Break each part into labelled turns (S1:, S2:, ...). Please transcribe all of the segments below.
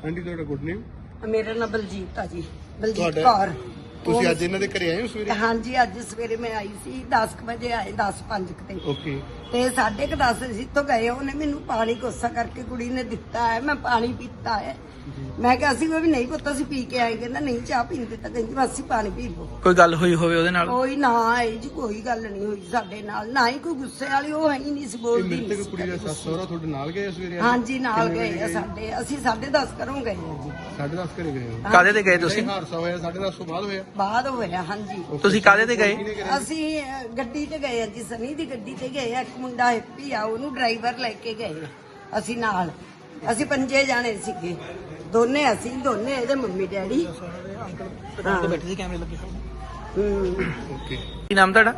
S1: Aunty ਤੁਹਾਡਾ good name?
S2: ਮੇਰਾ ਨਾਮ ਬਲਜੀਤ ਆ ਜੀ, ਬਲਜੀਤ ਕੌਰ।
S1: ਤੁਸੀਂ ਅੱਜ ਇਹਨਾਂ ਦੇ ਘਰੇ ਆਏ ਹੋ ਸਵੇਰੇ?
S2: ਹਾਂਜੀ, ਅੱਜ ਸਵੇਰੇ ਮੈਂ ਆਈ ਸੀ 10 ਵਜੇ ਆਏ, 10:05 ਤੇ।
S1: ਓਕੇ।
S2: ਤੇ 10:30 ਅਸੀਂ ਇੱਥੋਂ ਗਏ, ਉਹਨੇ ਮੈਨੂੰ ਪਾਣੀ ਕੋਸਾ ਕਰਕੇ ਕੁੜੀ ਨੇ ਦਿੱਤਾ ਹੈ, ਮੈਂ ਪਾਣੀ ਪੀਤਾ ਹੈ। ਮੈਂ ਕਿਹਾ ਅਸੀਂ ਉਹ ਵੀ ਨਹੀਂ ਪੁੱਤ ਅਸੀਂ ਪੀ ਕੇ ਆਏ, ਕਹਿੰਦਾ ਨਹੀਂ ਚਾਹ ਪੀਂਦੇ ਤਾਂ ਕਹਿੰਦੀ ਮਾਸੀ ਪਾਣੀ ਪੀ ਲਓ।
S3: ਕੋਈ ਗੱਲ ਹੋਈ ਹੋਵੇ ਉਹਦੇ ਨਾਲ?
S2: ਕੋਈ ਨਾ ਆਈ ਜੀ, ਕੋਈ ਗੱਲ ਨਹੀਂ ਹੋਈ ਸਾਡੇ ਨਾਲ, ਨਾ ਹੀ ਕੋਈ ਗੁੱਸੇ ਵਾਲੀ, ਉਹ ਹੈ ਹੀ ਨਹੀਂ ਸੀ ਬੋਲਦੀ।
S1: ਮ੍ਰਿਤਕ ਕੁੜੀ ਦਾ ਸੱਸ ਸਹੁਰਾ ਤੁਹਾਡੇ ਨਾਲ ਗਏ ਸਵੇਰੇ?
S2: ਹਾਂਜੀ ਨਾਲ ਗਏ ਆ ਸਾਡੇ, ਅਸੀਂ 10:30 ਘਰੋਂ ਗਏ ਆ ਜੀ।
S1: 10:30 ਘਰੇ ਗਏ ਹੋ?
S3: ਕਾਹਦੇ ਤੇ ਗਏ ਤੁਸੀਂ?
S1: ਹਾਦਸਾ ਹੋਇਆ 10:30 ਤੋਂ ਬਾਅਦ ਹੋਇਆ?
S2: ਬਾਅਦ ਹੋਇਆ ਹਾਂਜੀ।
S3: ਤੁਸੀਂ ਕਾਹਦੇ ਤੇ ਗਏ?
S2: ਅਸੀਂ ਗੱਡੀ ਤੇ ਗਏ ਆ ਜੀ, ਸਨੀ ਦੀ ਗੱਡੀ ਤੇ ਗਏ ਆ। ਇੱਕ ਮੁੰਡਾ ਹੈਪੀ ਆ, ਉਹਨੂੰ ਡਰਾਈਵਰ ਲੈ ਕੇ ਗਏ ਆ ਅਸੀਂ ਨਾਲ। ਅਸੀਂ 5 ਜਾਣੇ ਸੀਗੇ, ਦੋਨੇ ਅਸੀਂ, ਦੋਨੇ ਇਹਦੇ ਮੰਮੀ ਡੈਡੀ।
S3: ਬੈਠੇ ਸੀ, ਕੈਮਰੇ ਲੱਗੇ ਹੋਏ।
S1: ਓਕੇ।
S3: ਕੀ ਨਾਮ ਤੁਹਾਡਾ?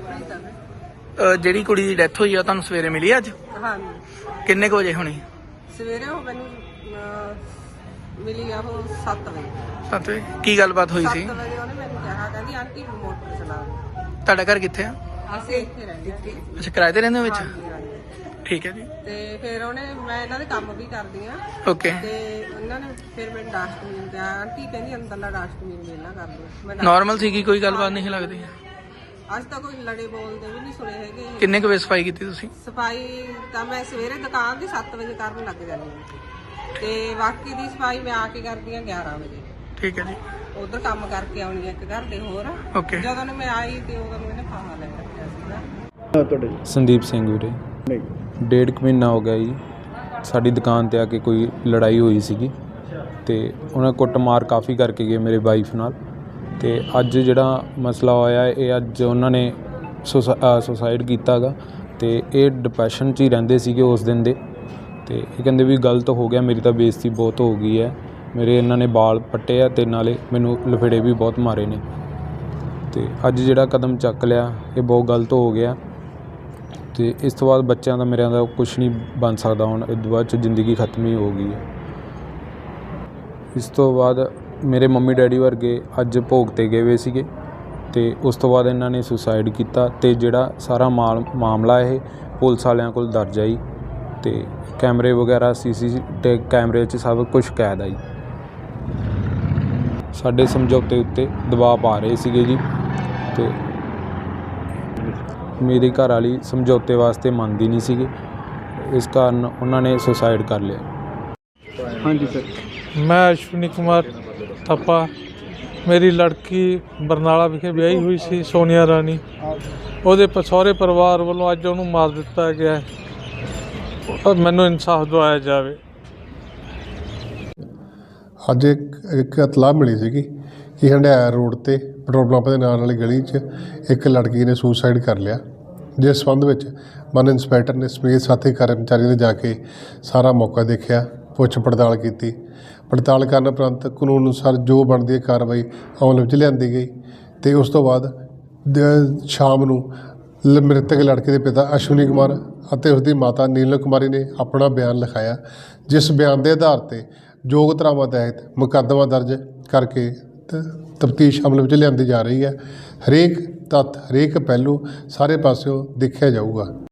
S3: ਜਿਹੜੀ ਕੁੜੀ ਦੀ ਡੈਥ ਹੋਈ ਆ ਤੁਹਾਨੂੰ ਸਵੇਰੇ ਮਿਲੀ ਅੱਜ?
S4: ਹਾਂਜੀ,
S3: ਕਿੰਨੇ ਕੁ ਵਜੇ ਹੋਣੀ?
S4: ਸਵੇਰੇ ਉਹ ਮੈਨੂੰ ਮਿਲੀ ਆ ਉਹ 7 ਵਜੇ।
S3: 7 ਵਜੇ? ਕੀ ਗੱਲਬਾਤ ਹੋਈ ਸੀ?
S4: 7 ਵਜੇ ਉਹਨੇ ਮੈਨੂੰ ਕਿਹਾ, ਕਹਿੰਦੀ ਆਂਟੀ ਮੋਟਰ ਚਲਾ ਦਿਓ।
S3: ਤੁਹਾਡਾ ਘਰ ਕਿੱਥੇ ਆ?
S4: ਅਸੀਂ ਇੱਥੇ ਰਹਿੰਦੇ ਹਾਂ।
S3: ਅੱਛਾ, ਕਿਰਾਏ ਤੇ ਰਹਿੰਦੇ ਹੋ ਵਿੱਚ?
S4: ਹਾਂਜੀ, ਹਾਂਜੀ।
S3: ਠੀਕ ਹੈ ਜੀ।
S4: ਤੇ ਫਿਰ ਉਹਨੇ, ਮੈਂ ਇਹਨਾਂ ਦੇ ਕੰਮ ਵੀ ਕਰਦੀ ਆ,
S3: ਓਕੇ।
S4: ਤੇ ਉਹਨਾਂ ਨੇ ਫਿਰ ਮੈਨੂੰ ਡਸਟਬਿਨ ਦਿਆ, ਆਂਟੀ ਕਹਿੰਦੀ ਅੰਦਰਲਾ ਡਸਟਬਿਨ ਵੇਲਾ ਕਰ ਲਓ।
S3: ਨਾਰਮਲ ਸੀਗੀ, ਕੋਈ ਗੱਲਬਾਤ ਨਹੀਂ ਲੱਗਦੀ?
S4: ਅੱਜ ਤੱਕ ਕੋਈ ਲੜੇ ਬੋਲਦੇ ਵੀ ਨਹੀਂ ਸੁਣੇ ਹੈਗੇ।
S3: ਕਿੰਨੇ ਕੁ ਵਜੇ ਸਫਾਈ ਕੀਤੀ ਤੁਸੀਂ?
S4: ਸਫਾਈ ਤਾਂ ਮੈਂ ਸਵੇਰੇ ਦੁਕਾਨ ਦੀ 7 ਵਜੇ ਕਰਨ ਲੱਗ ਜਾਂਦੀ ਹਾਂ, ਤੇ ਬਾਕੀ ਦੀ ਸਫਾਈ ਮੈਂ ਆ ਕੇ ਕਰਦੀ ਆ 11 ਵਜੇ।
S3: ਠੀਕ ਹੈ ਜੀ।
S4: ਉਧਰ ਕੰਮ ਕਰਕੇ ਆਉਣੀ ਆ ਇੱਕ ਘਰ ਦੇ ਹੋਰ।
S3: ਓਕੇ।
S4: ਜਦੋਂ ਨੂੰ ਮੈਂ ਆਈ ਤੇ ਉਦੋਂ ਨੂੰ ਇਹਨੇ ਫਾਹਾ ਲੈ ਰੱਖਿਆ ਸੀਗਾ।
S1: ਤੁਹਾਡੇ
S5: ਸੰਦੀਪ ਸਿੰਘ ਵੀਰੇ।
S1: ਨਹੀਂ।
S5: 1.5 ਮਹੀਨਾ ਹੋ ਗਿਆ ਜੀ, ਸਾਡੀ ਦੁਕਾਨ ਤੇ ਆ ਕੇ ਕੋਈ ਲੜਾਈ ਹੋਈ ਸੀਗੀ ਤੇ ਉਹਨਾਂ ਕੁੱਟਮਾਰ ਕਾਫੀ ਕਰਕੇ ਗਏ ਮੇਰੇ ਵਾਈਫ ਨਾਲ। ਤੇ ਅੱਜ ਜਿਹੜਾ ਮਸਲਾ ਹੋਇਆ ਇਹ ਅੱਜ ਉਹਨਾਂ ਨੇ ਸੁਸਾਈਡ ਕੀਤਾ ਗਾ, ਤੇ ਇਹ ਡਿਪਰੈਸ਼ਨ 'ਚ ਹੀ ਰਹਿੰਦੇ ਸੀਗੇ ਉਸ ਦਿਨ ਦੇ। ਤੇ ਇਹ ਕਹਿੰਦੇ ਵੀ ਗਲਤ ਹੋ ਗਿਆ, ਮੇਰੀ ਤਾਂ ਬੇਇੱਜ਼ਤੀ ਬਹੁਤ ਹੋ ਗਈ ਹੈ, ਮੇਰੇ ਇਹਨਾਂ ਨੇ ਵਾਲ ਪੱਟੇ ਆ ਤੇ ਨਾਲੇ ਮੈਨੂੰ ਲਫੇੜੇ ਵੀ ਬਹੁਤ ਮਾਰੇ ਨੇ। ਤੇ ਅੱਜ ਜਿਹੜਾ ਕਦਮ ਚੱਕ ਲਿਆ ਇਹ ਬਹੁਤ ਗਲਤ ਹੋ ਗਿਆ। ਤੇ ਇਸ ਤੋਂ ਬਾਅਦ ਬੱਚਿਆਂ ਦਾ ਮੇਰਿਆਂ ਦਾ ਕੁਛ ਨਹੀਂ ਬਣ ਸਕਦਾ, ਹੁਣ ਇਸ ਤੋਂ ਬਾਅਦ 'ਚ ਜ਼ਿੰਦਗੀ ਖਤਮ ਹੀ ਹੋ ਗਈ ਹੈ। ਇਸ ਤੋਂ ਬਾਅਦ ਮੇਰੇ ਮੰਮੀ ਡੈਡੀ ਵਰਗੇ ਅੱਜ ਭੋਗ 'ਤੇ ਗਏ ਹੋਏ ਸੀਗੇ, ਤੇ ਉਸ ਤੋਂ ਬਾਅਦ ਇਹਨਾਂ ਨੇ ਸੁਸਾਈਡ ਕੀਤਾ। ਤੇ ਜਿਹੜਾ ਸਾਰਾ ਮਾਮਲਾ ਇਹ ਪੁਲਿਸ ਵਾਲਿਆਂ ਕੋਲ ਦਰਜ ਆਈ, ਤੇ ਕੈਮਰੇ ਵਗੈਰਾ CCTV ਕੈਮਰੇ 'ਚ ਸਭ ਕੁਛ ਕੈਦ ਆਈ। ਸਾਡੇ ਸਮਝੌਤੇ ਉੱਤੇ ਦਬਾਅ ਪਾ ਰਹੇ ਸੀਗੇ ਜੀ, ਤੇ ਮੇਰੀ ਘਰ ਵਾਲੀ ਸਮਝੌਤੇ ਵਾਸਤੇ ਮੰਨਦੀ ਨਹੀਂ ਸੀਗੀ, ਇਸ ਕਾਰਨ ਉਹਨਾਂ ਨੇ ਸੁਸਾਈਡ ਕਰ ਲਿਆ।
S1: ਹਾਂਜੀ ਸਰ।
S6: ਮੈਂ ਅਸ਼ਵਨੀ ਕੁਮਾਰ ਥੱਪਾ। ਮੇਰੀ ਲੜਕੀ ਬਰਨਾਲਾ ਵਿਖੇ ਵਿਆਹੀ ਹੋਈ ਸੀ, ਸੋਨੀਆ ਰਾਣੀ। ਉਹਦੇ ਸਹੁਰੇ ਪਰਿਵਾਰ ਵੱਲੋਂ ਅੱਜ ਉਹਨੂੰ ਮਾਰ ਦਿੱਤਾ ਗਿਆ ਹੈ, ਔਰ ਮੈਨੂੰ ਇਨਸਾਫ ਦਿਵਾਇਆ ਜਾਵੇ।
S7: ਅੱਜ ਇੱਕ ਇਤਲਾਹ ਮਿਲੀ ਸੀਗੀ ਕਿ ਹੰਡਿਆਇਆ ਰੋਡ 'ਤੇ ਪੈਟਰੋਲ ਪੰਪ ਦੇ ਨਾਲ ਵਾਲੀ ਗਲੀ 'ਚ ਇੱਕ ਲੜਕੀ ਨੇ ਸੁਸਾਈਡ ਕਰ ਲਿਆ, ਜਿਸ ਸੰਬੰਧ ਵਿੱਚ ਵਨ ਇੰਸਪੈਕਟਰ ਨੇ ਸਮੇਤ ਸਾਥੀ ਕਰਮਚਾਰੀਆਂ ਨੇ ਜਾ ਕੇ ਸਾਰਾ ਮੌਕਾ ਦੇਖਿਆ, ਪੁੱਛ ਪੜਤਾਲ ਕੀਤੀ। ਪੜਤਾਲ ਕਰਨ ਉਪਰੰਤ ਕਾਨੂੰਨ ਅਨੁਸਾਰ ਜੋ ਬਣਦੀ ਹੈ ਕਾਰਵਾਈ ਅਮਲ ਵਿੱਚ ਲਿਆਂਦੀ ਗਈ। ਅਤੇ ਉਸ ਤੋਂ ਬਾਅਦ ਸ਼ਾਮ ਨੂੰ ਮ੍ਰਿਤਕ ਲੜਕੇ ਦੇ ਪਿਤਾ ਅਸ਼ਵਨੀ ਕੁਮਾਰ ਅਤੇ ਉਸਦੀ ਮਾਤਾ ਨੀਲਮ ਕੁਮਾਰੀ ਨੇ ਆਪਣਾ ਬਿਆਨ ਲਿਖਾਇਆ, ਜਿਸ ਬਿਆਨ ਦੇ ਆਧਾਰ 'ਤੇ ਯੋਗ ਧਾਰਾਵਾਂ ਤਹਿਤ ਮੁਕੱਦਮਾ ਦਰਜ ਕਰਕੇ ਤਫਤੀਸ਼ ਅਮਲ ਵਿੱਚ ਲਿਆਂਦੀ ਜਾ ਰਹੀ ਹੈ। ਹਰੇਕ ਤੱਥ, ਹਰੇਕ ਪਹਿਲੂ ਸਾਰੇ ਪਾਸਿਓਂ ਦੇਖਿਆ ਜਾਊਗਾ।